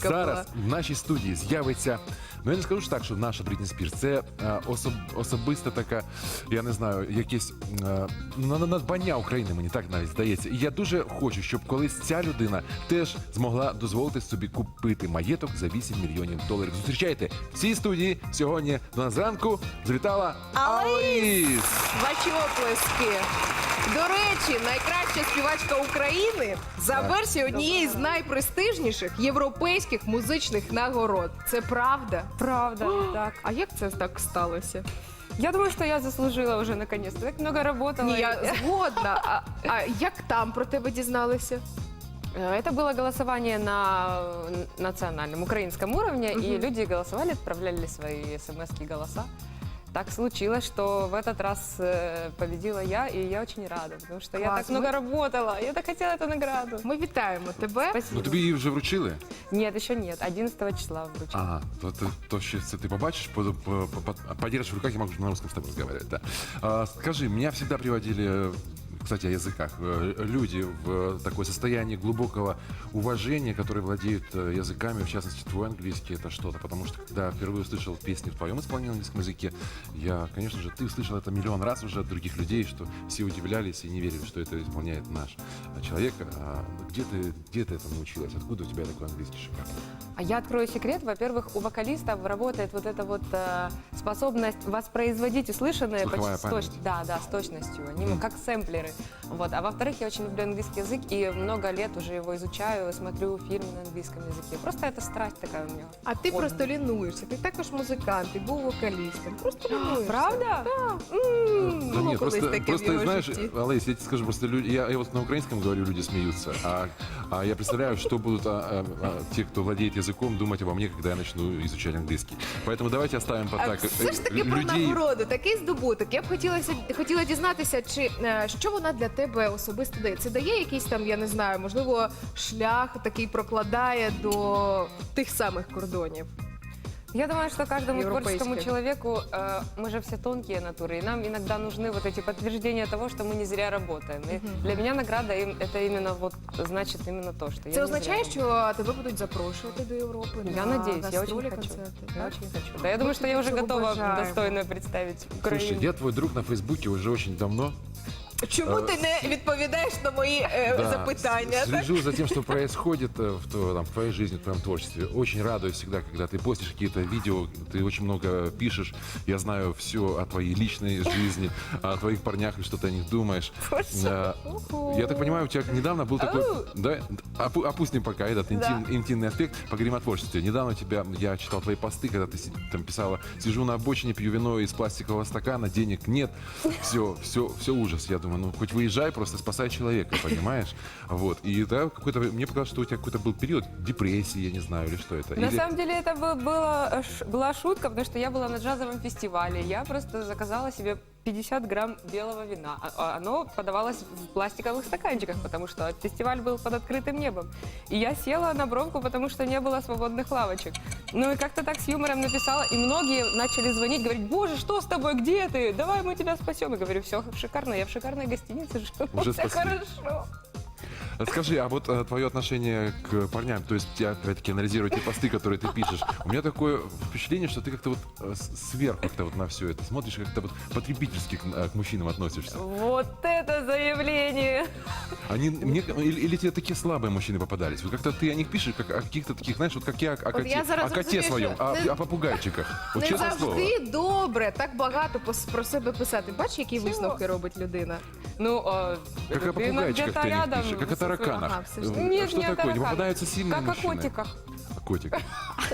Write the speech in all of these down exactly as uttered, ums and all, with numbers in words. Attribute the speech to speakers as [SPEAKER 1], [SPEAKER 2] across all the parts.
[SPEAKER 1] чітка
[SPEAKER 2] Зараз
[SPEAKER 1] була.
[SPEAKER 2] в нашій студії з'явиться, ну я не скажу ж так, що наша Брітні Спірс, це е, особ, особиста така, я не знаю, якесь е, на- на- надбання України, мені так навіть здається. І я дуже хочу, щоб колись ця людина теж змогла дозволити собі купити маєток за вісім мільйонів доларів. Зустрічайте в цій студії сьогодні до нас зранку завітала Аліс!
[SPEAKER 1] Ваші оплески. До речі, найкраща співачка України за
[SPEAKER 2] Так.
[SPEAKER 1] версією однієї з найпрестижніших європейських музичних нагород. Це правда?
[SPEAKER 3] Правда, так.
[SPEAKER 1] А як це так сталося?
[SPEAKER 3] Я думаю, что я заслужила уже наконец-то. Так много работала.
[SPEAKER 1] Ні, я згодна. А, а як там про тебе дізналися?
[SPEAKER 3] Э, Это было голосование на национальном украинском уровне,
[SPEAKER 1] Мгм.
[SPEAKER 3] и люди голосовали, отправляли свои смс-ки, голоса. Так случилось, что в этот раз э, победила я, и я очень рада, потому что я
[SPEAKER 1] Класс.
[SPEAKER 3] так много работала, я так хотела эту награду.
[SPEAKER 1] Ми вітаємо тебе.
[SPEAKER 3] Спасибо.
[SPEAKER 2] Ну тобі її вже вручили?
[SPEAKER 3] Нет, еще нет, одиннадцатого числа вручила.
[SPEAKER 2] Ага, то, то, то ще це ти побачиш, по, по, по, подержишь в руках, я могу на русском с тобой разговаривать. Да. А, скажи, меня всегда приводили, кстати, о языках, э, люди в такое состояние глубокого уважения, которые владеют э, языками, в частности, твой английский, это что-то. Потому что, когда впервые услышал песни в твоем исполнении на английском языке, я, конечно же, ты услышал это миллион раз уже от других людей, что все удивлялись и не верили, что это исполняет наш а, человек. А, где ты, где ты этому научилась? Откуда у тебя такой английский шикарный?
[SPEAKER 3] А я открою секрет. Во-первых, у вокалистов работает вот эта вот э, способность воспроизводить услышанное
[SPEAKER 2] Слуховая
[SPEAKER 3] почти с
[SPEAKER 2] память.
[SPEAKER 3] точ- да, да, с точностью. Они
[SPEAKER 2] Мгм.
[SPEAKER 3] как сэмплеры. Вот. А во-вторых, я очень люблю английский язык и много лет уже его изучаю, смотрю фильмы на английском языке. Просто это страсть такая у меня.
[SPEAKER 1] А ти
[SPEAKER 3] Ой.
[SPEAKER 1] просто лінуєшся. Ти також музикант, ти був вокалістом. Просто лінуєшся.
[SPEAKER 3] Правда?
[SPEAKER 1] Так.
[SPEAKER 3] М,
[SPEAKER 2] Да
[SPEAKER 1] Было
[SPEAKER 2] нет,
[SPEAKER 1] колись
[SPEAKER 2] просто,
[SPEAKER 1] таким в
[SPEAKER 2] просто
[SPEAKER 1] его
[SPEAKER 2] знаешь,
[SPEAKER 1] житті.
[SPEAKER 2] Олесь, я тебе скажу, просто люди, я, я вот на украинском говорю, люди смеются, а, а я представляю, что будут а, а, а, те, кто владеет языком, думать обо мне, когда я начну изучать английский. Поэтому давайте оставим под
[SPEAKER 1] А
[SPEAKER 2] так
[SPEAKER 1] все ж таки
[SPEAKER 2] э,
[SPEAKER 1] про
[SPEAKER 2] людей.
[SPEAKER 1] нагороду, такий здобуток. Я б хотілося, хотіла дізнатися, чи е, що вона для тебе особисто дає? Це дає якийсь там, я не знаю, можливо, шлях такий прокладає до тих самих кордонів.
[SPEAKER 3] Я думаю, что каждому творческому
[SPEAKER 1] Европейское.
[SPEAKER 3] человеку, э, мы же все тонкие натуры, и нам иногда нужны вот эти подтверждения того, что мы не зря работаем. И
[SPEAKER 1] Мгм.
[SPEAKER 3] для меня награда им- это именно вот значит именно то, что я
[SPEAKER 1] Це
[SPEAKER 3] не
[SPEAKER 1] означає,
[SPEAKER 3] зря
[SPEAKER 1] що тебе будуть запрошувати до Європи?
[SPEAKER 3] Я
[SPEAKER 1] на
[SPEAKER 3] надеюсь, я очень
[SPEAKER 1] гастролі,
[SPEAKER 3] хочу.
[SPEAKER 1] концерти,
[SPEAKER 3] Я
[SPEAKER 1] так?
[SPEAKER 3] очень хочу. Да, я думаю, что я уже
[SPEAKER 1] Цього
[SPEAKER 3] готова
[SPEAKER 1] бажаємо.
[SPEAKER 3] достойно представить Украину.
[SPEAKER 2] Слушай, я твой друг на Фейсбуке уже очень давно.
[SPEAKER 1] Чому
[SPEAKER 2] Е,
[SPEAKER 1] ти не відповідаєш на мої е,
[SPEAKER 2] Да,
[SPEAKER 1] запитання?
[SPEAKER 2] с-
[SPEAKER 1] так?
[SPEAKER 2] Слежу за тем, что происходит э, в, тво- там, в твоей жизни, в твоем творчестве. Очень радуюсь всегда, когда ты постишь какие-то видео, ты очень много пишешь. Я знаю все о твоей личной жизни, о твоих парнях и что ты о них думаешь. Э, Я так понимаю, у тебя недавно был такой... Да, опу- опустим пока этот интим- интимный аспект, поговорим о творчестве. Недавно у тебя, я читал твои посты, когда ты си- там писала: сижу на обочине, пью вино из пластикового стакана, денег нет. Все, все, все ужас. Я думаю, ну хоть выезжай, просто спасай человека, понимаешь? Вот. И да, какой-то, мне показалось, что у тебя какой-то был период депрессии, я не знаю, или что это.
[SPEAKER 3] На
[SPEAKER 2] Или-
[SPEAKER 3] самом деле это бы- было, э, ш- была шутка, потому что я была на джазовом фестивале. Я просто заказала себе пятьдесят грамм белого вина. А- а Оно подавалось в пластиковых стаканчиках, потому что фестиваль был под открытым небом. И я села на бровку, потому что не было свободных лавочек. Ну и как-то так с юмором написала, и многие начали звонить, говорить: боже, что с тобой, где ты? Давай мы тебя спасем. Я говорю: все шикарно, я в шикарной гостинице живу,
[SPEAKER 2] Уже
[SPEAKER 3] все
[SPEAKER 2] спасли.
[SPEAKER 3] хорошо.
[SPEAKER 2] Скажи, а вот э, твое отношение к парням, то есть я опять-таки анализирую те посты, которые ты пишешь, у меня такое впечатление, что ты как-то вот э, с- сверху как-то вот на все это смотришь, как-то вот потребительски к, э, к мужчинам относишься.
[SPEAKER 3] Вот это заявление!
[SPEAKER 2] Они, мне, или, или тебе такие слабые мужчины попадались? Вот как-то ты о них пишешь, как о каких-то таких, знаешь, вот как я о коте,
[SPEAKER 1] я зараз
[SPEAKER 2] о коте
[SPEAKER 1] розумію,
[SPEAKER 2] своем,
[SPEAKER 1] що
[SPEAKER 2] о,
[SPEAKER 1] не-
[SPEAKER 2] о попугайчиках. Вот
[SPEAKER 1] Не
[SPEAKER 2] честное слово.
[SPEAKER 1] завжди добре так багато пос- про себе писати. Бачиш, які
[SPEAKER 3] Чого?
[SPEAKER 1] висновки робить людина?
[SPEAKER 3] Ну, э,
[SPEAKER 2] Как о
[SPEAKER 3] ты
[SPEAKER 2] попугайчиках
[SPEAKER 3] где-то
[SPEAKER 2] ты о них
[SPEAKER 3] рядом
[SPEAKER 2] пишешь, как о
[SPEAKER 3] со своим-
[SPEAKER 2] тараканах.
[SPEAKER 1] Ага, все ж
[SPEAKER 2] Э,
[SPEAKER 1] таки.
[SPEAKER 3] Нет,
[SPEAKER 2] что
[SPEAKER 3] не о
[SPEAKER 2] такое? Не
[SPEAKER 3] тараканах.
[SPEAKER 2] попадаются сильные
[SPEAKER 3] Как
[SPEAKER 2] мужчины?
[SPEAKER 3] о котиках.
[SPEAKER 2] О котиках.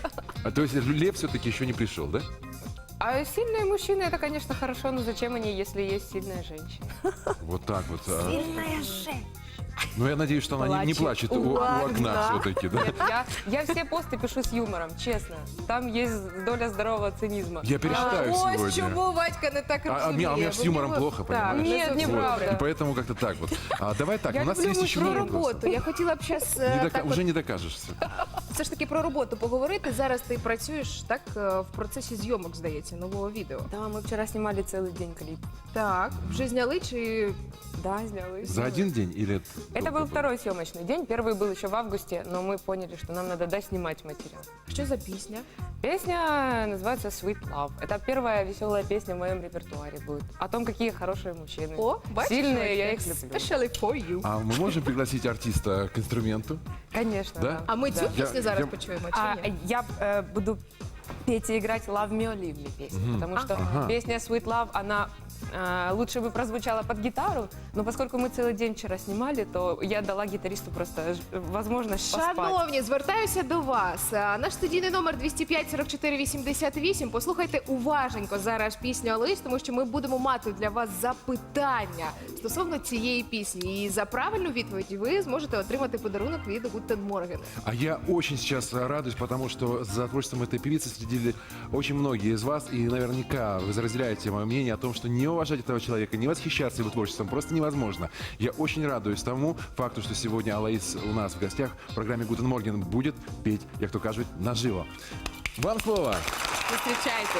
[SPEAKER 2] А то есть лев все-таки еще не пришел, да?
[SPEAKER 3] А сильные мужчины, это, конечно, хорошо, но зачем они, если есть сильная женщина?
[SPEAKER 2] Вот так вот. а.
[SPEAKER 1] Сильная женщина.
[SPEAKER 2] Ну, я надеюсь, что она не, не
[SPEAKER 1] Плачет
[SPEAKER 2] плачет у,
[SPEAKER 1] у
[SPEAKER 2] у окна
[SPEAKER 1] окна.
[SPEAKER 2] все-таки, да?
[SPEAKER 3] Нет, я, я все посты пишу с юмором, честно. Там есть доля здорового цинизма.
[SPEAKER 2] Я перечитаю
[SPEAKER 1] Ось
[SPEAKER 2] сегодня.
[SPEAKER 1] чому Вадька не так
[SPEAKER 2] А- а
[SPEAKER 1] розуміє.
[SPEAKER 2] мне- а у меня с
[SPEAKER 1] бо в
[SPEAKER 2] юмором
[SPEAKER 1] нього-
[SPEAKER 2] плохо,
[SPEAKER 1] Так,
[SPEAKER 2] понимаешь?
[SPEAKER 1] не
[SPEAKER 3] Нет,
[SPEAKER 1] зовсім
[SPEAKER 3] неправда.
[SPEAKER 2] И
[SPEAKER 1] добре.
[SPEAKER 2] поэтому как-то так вот. А давай так,
[SPEAKER 1] Я
[SPEAKER 2] у нас
[SPEAKER 1] люблю
[SPEAKER 2] есть еще
[SPEAKER 1] про
[SPEAKER 2] вопрос.
[SPEAKER 1] роботу. Я хотіла б зараз
[SPEAKER 2] Не дока-
[SPEAKER 1] так
[SPEAKER 2] Уже
[SPEAKER 1] от,
[SPEAKER 2] не докажешься.
[SPEAKER 1] все ж таки про роботу поговорити. Зараз ти працюєш так е, в процесі зйомок, здається, нового відео.
[SPEAKER 3] Да, мы вчера снимали целый день клип.
[SPEAKER 1] Так, вже зняли чи
[SPEAKER 3] Да, сняли.
[SPEAKER 2] За один день или
[SPEAKER 3] Это
[SPEAKER 2] Какой
[SPEAKER 3] был второй съемочный день. Первый был еще в августе, но мы поняли, что нам надо доснимать материал.
[SPEAKER 1] Що за пісня?
[SPEAKER 3] Песня называется Sweet Love. Это первая веселая песня в моем репертуаре будет. О том, какие хорошие мужчины.
[SPEAKER 1] О, бачиш?
[SPEAKER 3] Сильные, я их
[SPEAKER 1] Бачиш?
[SPEAKER 3] люблю.
[SPEAKER 1] Especially for you.
[SPEAKER 2] А мы можем пригласить артиста к инструменту?
[SPEAKER 3] Конечно,
[SPEAKER 2] Да?
[SPEAKER 3] да.
[SPEAKER 1] А ми
[SPEAKER 3] Да.
[SPEAKER 1] цю пісню
[SPEAKER 2] Я-
[SPEAKER 1] зараз
[SPEAKER 2] я-
[SPEAKER 1] почуємо,
[SPEAKER 3] А,
[SPEAKER 1] чи ні?
[SPEAKER 3] я э, буду петь и играть Love Me or Leave Me песню, потому что
[SPEAKER 2] Ага.
[SPEAKER 3] песня Sweet Love, она э, лучше бы прозвучала под гитару, но поскольку мы целый день вчера снимали, то я дала гитаристу просто ж- возможность поспать.
[SPEAKER 1] Шановні, звертаюся до вас. А, Наш студійний номер двісті п'ять сорок чотири вісімдесят вісім. Послухайте уважненько зараз пісню Алоїс, тому що ми будемо мати для вас запитання стосовно цієї пісні. І за правильну відповідь ви зможете отримати подарунок від Гутен Морген.
[SPEAKER 2] А я очень сейчас радуюсь, потому что за творчеством этой певицы следили очень многие из вас, и наверняка вы разделяете мое мнение о том, что не уважать этого человека, не восхищаться его творчеством просто невозможно. Я очень радуюсь тому факту, что сегодня Алоис у нас в гостях в программе «Гутен Морген» будет петь, як то кажуть, наживо. Вам слово.
[SPEAKER 1] Зустрічайте.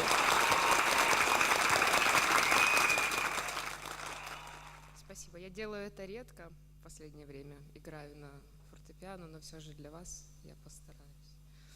[SPEAKER 3] Спасибо. Я делаю это редко в последнее время. Играю на фортепиано, но все же для вас я постараюсь.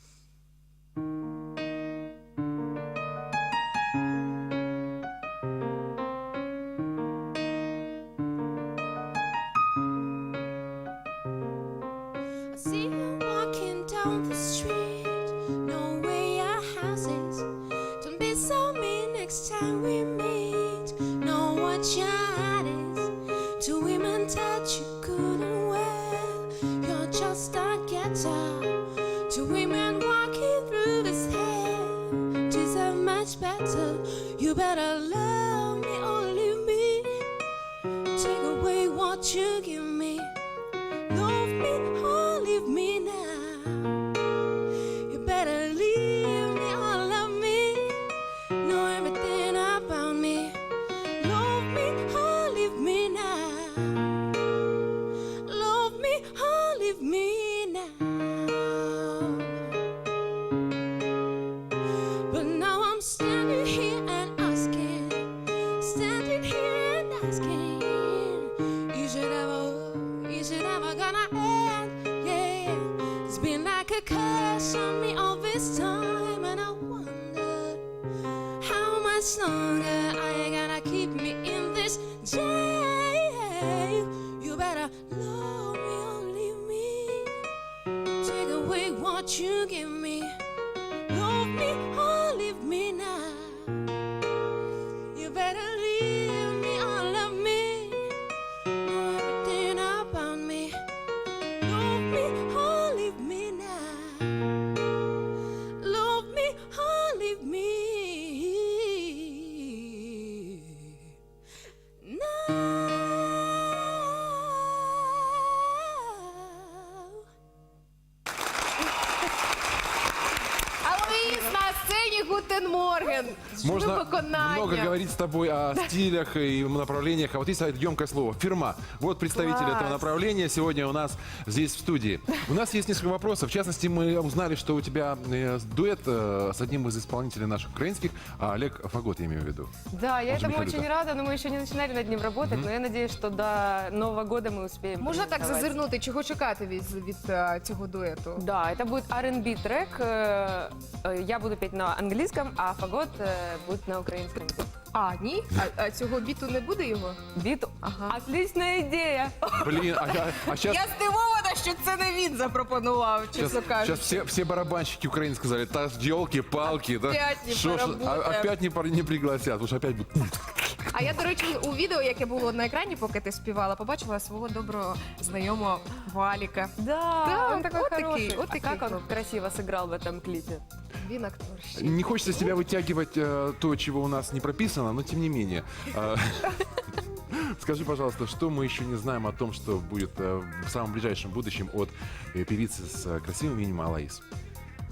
[SPEAKER 4] I see you walking down the street. Know where your house is. Don't be so mean next time we meet. Know what your heart is. Two women touch you good and well. You're just a ghetto. Two women walking through this hell. Deserve much better. You better love me or leave me. Take away what you give me. Love me or leave me now. You better leave me or love me. Know everything about me. Love me or leave me now. Love me or leave me now. But now I'm standing here and asking, standing here and asking, is it ever, is it ever gonna end? Yeah, it's been like a curse on me all this time, and I wonder how much longer are you gonna keep me in this jail? You better love me or leave me. Take away what you give me. Love me or leave me now. You better leave me or love me. Know everything about me. Love me or leave me now. Love me or leave me now.
[SPEAKER 1] Алоїс на сцені Гутен Морген.
[SPEAKER 2] Можно
[SPEAKER 1] Виконання.
[SPEAKER 2] много говорить с тобой о стилях и направлениях, а вот есть емкое слово «фирма». Вот представитель
[SPEAKER 1] Класс.
[SPEAKER 2] этого направления сегодня у нас здесь в студии. У нас есть несколько вопросов. В частности, мы узнали, что у тебя э, дуэт э, с одним из исполнителей наших украинских, а Олег Фагот, я имею в виду.
[SPEAKER 3] Да, я
[SPEAKER 2] Он же
[SPEAKER 3] этому
[SPEAKER 2] Михайлюка.
[SPEAKER 3] очень рада, но мы еще не начинали над ним работать, но я надеюсь, что до Нового года мы успеем.
[SPEAKER 1] Можна так
[SPEAKER 3] презентовать.
[SPEAKER 1] зазирнути, чого чекати від, від е, цього дуету?
[SPEAKER 3] Да, это будет ар энд би трек. э, э, Я буду петь на английском, а Фагот э, будет на украинском.
[SPEAKER 1] А, ні? А, а цього біту не буде його?
[SPEAKER 3] Бит.
[SPEAKER 1] Ага.
[SPEAKER 3] Отличная идея.
[SPEAKER 2] Блин, а, я- а сейчас...
[SPEAKER 1] Я здивована, що це не він запропонував, чесно
[SPEAKER 2] Сейчас,
[SPEAKER 1] кажучи.
[SPEAKER 2] все, все барабанщики украинцы сказали, та елки-палки, да?
[SPEAKER 1] Опять не
[SPEAKER 2] Шо ж, а-
[SPEAKER 1] поработаем.
[SPEAKER 2] опять не, пор- не пригласят, потому что опять будет...
[SPEAKER 1] А я, до речі, у відео, яке було на екрані, поки ти співала, побачила свого доброго знайомого Валіка.
[SPEAKER 3] Да,
[SPEAKER 1] Да,
[SPEAKER 3] он такой
[SPEAKER 1] вот такие,
[SPEAKER 3] хороший.
[SPEAKER 1] вот
[SPEAKER 3] А
[SPEAKER 1] такие
[SPEAKER 3] как он
[SPEAKER 1] хлопцы.
[SPEAKER 3] красиво сыграл в этом клипе.
[SPEAKER 1] Він актор. ще.
[SPEAKER 2] Не хочется с тебя вытягивать э, то, чего у нас не прописано, но тем не менее. Э, Скажи, пожалуйста, что мы еще не знаем о том, что будет э, в самом ближайшем будущем от э, певицы с э, красивым именем Алоис?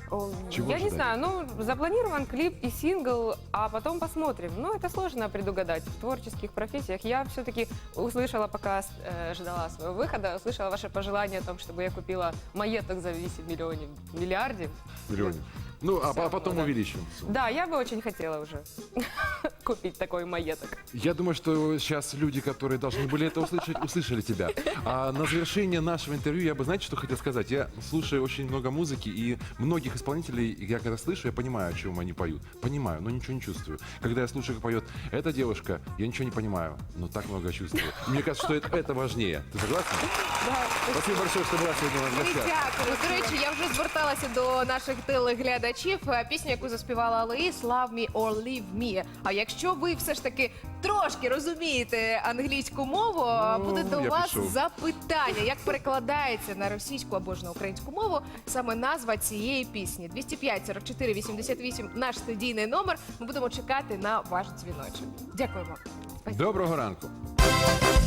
[SPEAKER 3] О,
[SPEAKER 2] Чего
[SPEAKER 3] Я не
[SPEAKER 2] ожидать?
[SPEAKER 3] знаю, ну, запланирован клип и сингл, а потом посмотрим. Ну, это сложно предугадать в творческих профессиях. Я все-таки услышала, пока э, ждала своего выхода, услышала ваше пожелание о том, чтобы я купила маеток за вісім миллионов, миллиардов.
[SPEAKER 2] Миллионе. Ну, а,
[SPEAKER 3] Всё,
[SPEAKER 2] а потом
[SPEAKER 3] да.
[SPEAKER 2] увеличим.
[SPEAKER 3] Да, я бы очень хотела уже купить такой маеток.
[SPEAKER 2] Я думаю, что сейчас люди, которые должны были это услышать, услышали тебя. А на завершение нашего интервью я бы, знаете, что хотел сказать? Я слушаю очень много музыки, и многих исполнителей, я когда слышу, я понимаю, о чем они поют. Понимаю, но ничего не чувствую. Когда я слушаю, как поет эта девушка, я ничего не понимаю, но так много чувствую. Мне кажется, что это, это важнее. Ты согласна?
[SPEAKER 3] Да,
[SPEAKER 2] Спасибо большое, что была сегодня у нас в
[SPEAKER 1] Ми
[SPEAKER 2] гостях.
[SPEAKER 1] дякуємо. До речі, я вже зверталася до наших телеглядачів. Пісню, яку заспівала Алоїс, «Love me or leave me». А якщо ви все ж таки трошки розумієте англійську мову,
[SPEAKER 2] Ну,
[SPEAKER 1] буде до
[SPEAKER 2] я
[SPEAKER 1] вас
[SPEAKER 2] пішов.
[SPEAKER 1] запитання, як перекладається на російську або ж на українську мову саме назва цієї пісні. двісті п'ять сорок чотири вісімдесят вісім наш студійний номер. Ми будемо чекати на ваш дзвіночок. Дякуємо.
[SPEAKER 2] Доброго ранку.